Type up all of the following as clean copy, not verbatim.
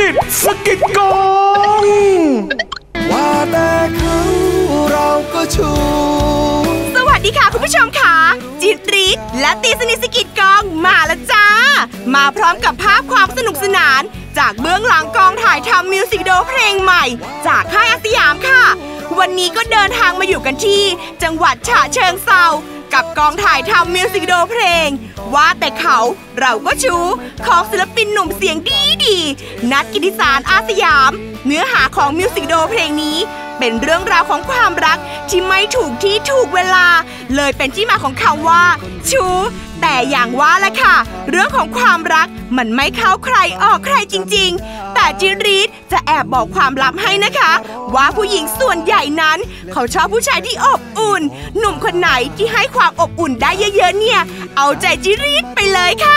นิทสกิดกองว่าแต่เขาเราก็ชูสวัสดีค่ะคุณผู้ชมค่ะจิตริศและตีสนิทสกิดกองมาแล้วจ้ามาพร้อมกับภาพความสนุกสนานจากเบื้องหลังกองถ่ายทำมิวสิกวิดีโอเพลงใหม่จากค่ายอาสยามค่ะวันนี้ก็เดินทางมาอยู่กันที่จังหวัดฉะเชิงเทรากับกองถ่ายทำมิวสิกวิดีโอเพลงว่าแต่เขาเราก็ชูของศิลปินหนุ่มเสียงดีนัทกิติสารอาสยามเนื้อหาของมิวสิกวิดีโอเพลงนี้เป็นเรื่องราวของความรักที่ไม่ถูกที่ถูกเวลาเลยเป็นที่มาของคำว่าชูแต่อย่างว่าแหละค่ะเรื่องของความรักมันไม่เข้าใครออกใครจริงๆแต่จิริศจะแอบบอกความลับให้นะคะว่าผู้หญิงส่วนใหญ่นั้นเขาชอบผู้ชายที่อบอุ่นหนุ่มคนไหนที่ให้ความอบอุ่นได้เยอะๆเนี่ยเอาใจจิริศไปเลยค่ะ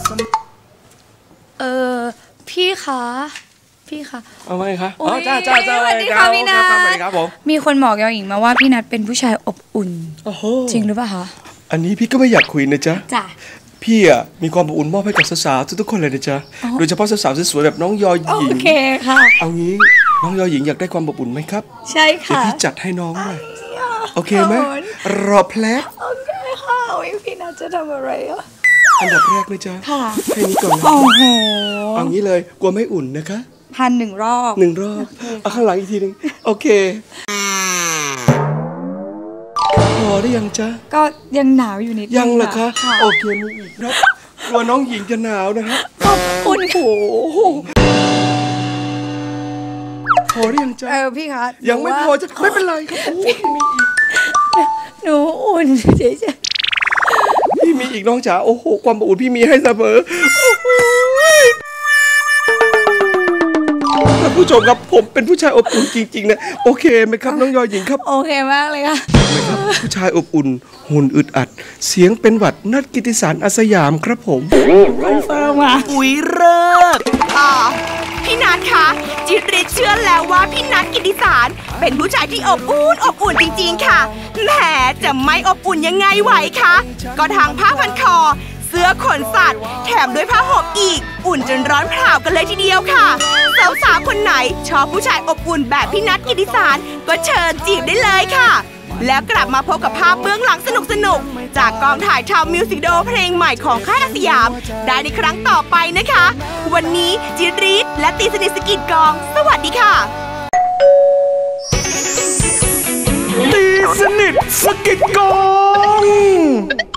พี่คะเอาไงคะอ๋อจ้าสวัสดีค่ะพี่นัทครับผมมีคนบอกยอหญิงมาว่าพี่นัทเป็นผู้ชายอบอุ่นจริงหรือเปล่าคะอันนี้พี่ก็ไม่อยากคุยนะจ๊ะจ้ะพี่อะมีความอบอุ่นมอบให้กับสาวๆทุกคนเลยนะจ๊ะโดยเฉพาะสาวๆสวยๆแบบน้องยอหญิงโอเคค่ะเอางี้น้องยอหญิงอยากได้ความอบอุ่นไหมครับใช่ค่ะเดี๋ยวพี่จัดให้น้องเลยโอเคไหมรอแพลบโอเคค่ะพี่นัทจะทำอะไรอ่ะอันดับแรกนะจ๊ะแค่นี้ก่อนนะเอางี้เลยกลัวไม่อุ่นนะคะ 1,000 รอบเอาข้างหลังอีกทีนึงโอเคพอได้ยังจ๊ะก็ยังหนาวอยู่นิดยังเหรอคะโอเคมีอีกครับกลัวน้องหญิงจะหนาวนะฮะขอบคุณโอ้โหพอได้ยังจ๊ะพี่คะยังไม่พอจะไม่เป็นไรครับโอ้มีอีกหนูอุ่นเฉยๆพี่มีอีกน้องจ๋าโอ้โหความอบอุ่นพี่มีให้เสมอท่านผู้ชมครับผมเป็นผู้ชายอบอุ่นจริงๆนะโอเคไหมครับน้องยอหญิงครับโอเคมากเลยค่ะไหมครับผู้ชายอบอุ่นหุ่นอึดอัดเสียงเป็นหวัดนัทกิติสารอาสยามครับผมคอนเฟิร์มมาอุ๊ยเลิศพี่นัทคะจิริศเชื่อแล้วว่าพี่นัทกิติสารเป็นผู้ชายที่อบอุ่นจริงๆค่ะแหมจะไม่อบอุ่นยังไงไหวคะก็ทางผ้าพันคอเสื้อขนสัตว์แถมด้วยผ้าห่มอีกอุ่นจนร้อนเผากันเลยทีเดียวค่ะสาวๆคนไหนชอบผู้ชายอบอุ่นแบบพี่นัทกิติสารก็เชิญจีบได้เลยค่ะแล้วกลับมาพบกับภาพเบื้องหลังสนุกๆจากกองถ่ายทำมิวสิกวิดีโอเพลงใหม่ของค่ายอาสยามได้ในครั้งต่อไปนะคะวันนี้จิริศและตีสนิทสกิดกองสวัสดีค่ะตีสนิทสกิดกอง